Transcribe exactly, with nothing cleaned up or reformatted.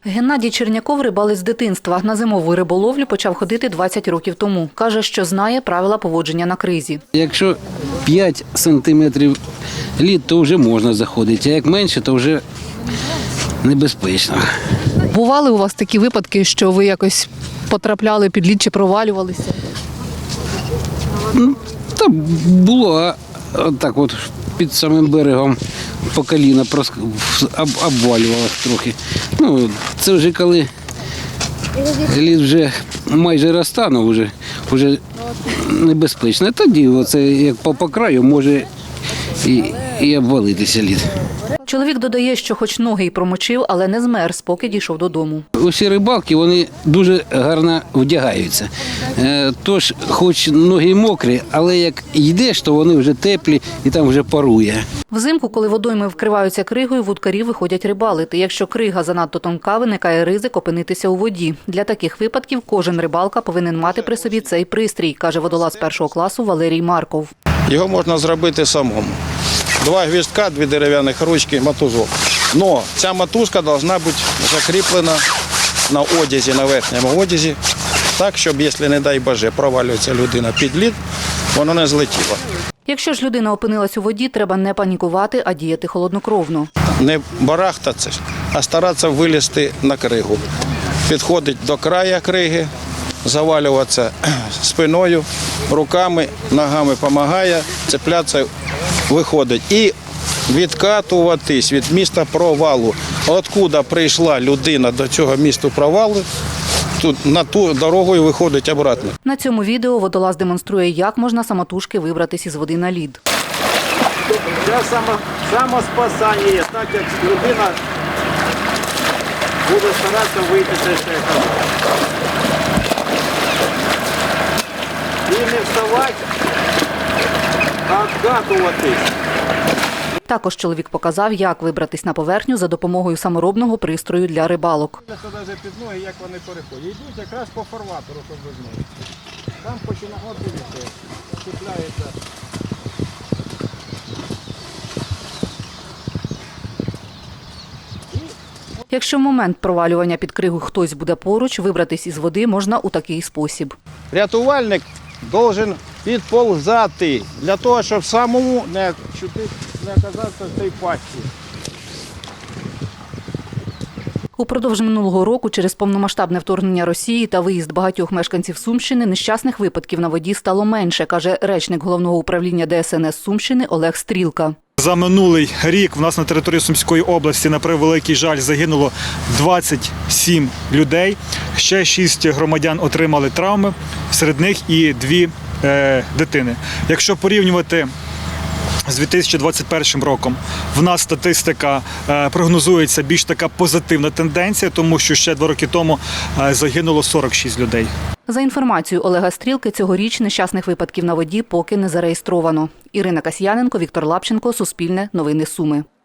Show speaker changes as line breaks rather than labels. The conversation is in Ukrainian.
Геннадій Черняков – рибалець з дитинства. На зимову риболовлю почав ходити двадцять років тому. Каже, що знає правила поводження на кризі.
Якщо п'ять сантиметрів лід, то вже можна заходити, а як менше, то вже небезпечно.
Бували у вас такі випадки, що ви якось потрапляли під лід чи провалювалися?
Та було, а так от під самим берегом по коліна обвалювалося трохи. Ну, це вже коли лід вже майже розтанув, вже, вже небезпечно. Тоді оце, як по, по краю може і, і обвалитися лід.
Чоловік додає, що хоч ноги й промочив, але не змерз, поки дійшов додому.
Усі рибалки, вони дуже гарно вдягаються. Тож, хоч ноги мокрі, але як йдеш, то вони вже теплі і там вже парує.
Взимку, коли водойми вкриваються кригою, вудкарі виходять рибалити. Якщо крига занадто тонка, виникає ризик опинитися у воді. Для таких випадків кожен рибалка повинен мати при собі цей пристрій, каже водолаз першого класу Валерій Марков.
Його можна зробити самому. Два гвіздка, дві дерев'яних ручки, мотузок. Но ця мотузка повинна бути закріплена на одязі, на верхньому одязі, так, щоб, якщо, не дай Боже, провалюється людина під лід, вона не злетіла.
Якщо ж людина опинилась у воді, треба не панікувати, а діяти холоднокровно.
Не барахтатися, а старатися вилізти на кригу. Підходить до краю криги, завалюватися спиною, руками, ногами допомагає, цеплятися, виходить. І відкатуватись від місця провалу. Откуда прийшла людина до цього місця провалу, тут на ту дорогу і виходить обратно.
На цьому відео водолаз демонструє, як можна самотужки вибратись із води на лід.
Це самоспасання, так як людина буде старатися вийти з цієї води. І не вставати, а відкатуватись.
Також чоловік показав, як вибратись на поверхню за допомогою саморобного пристрою для рибалок.
Це навіть під ноги, як вони переходять. Йдуть якраз по фарватеру, щоб ви знали. Там починає, от дивіться, чіпляється.
Якщо в момент провалювання під кригу хтось буде поруч, вибратись із води можна у такий спосіб.
Рятувальник повинен підползати, для того, щоб самому не, не оказатися в цій пастці.
Упродовж минулого року через повномасштабне вторгнення Росії та виїзд багатьох мешканців Сумщини нещасних випадків на воді стало менше, каже речник Головного управління Де Ес Ен Ес Сумщини Олег Стрілка.
За минулий рік в нас на території Сумської області, на превеликий жаль, загинуло двадцять сім людей. Ще шість громадян отримали травми, серед них і дві е, дитини. Якщо порівнювати з дві тисячі двадцять першим роком, в нас статистика е, прогнозується більш така позитивна тенденція, тому що ще два роки тому е, загинуло сорок шість людей.
За інформацією Олега Стрілки, цьогоріч нещасних випадків на воді поки не зареєстровано. Ірина Касьяненко, Віктор Лапченко, Суспільне, Новини Суми.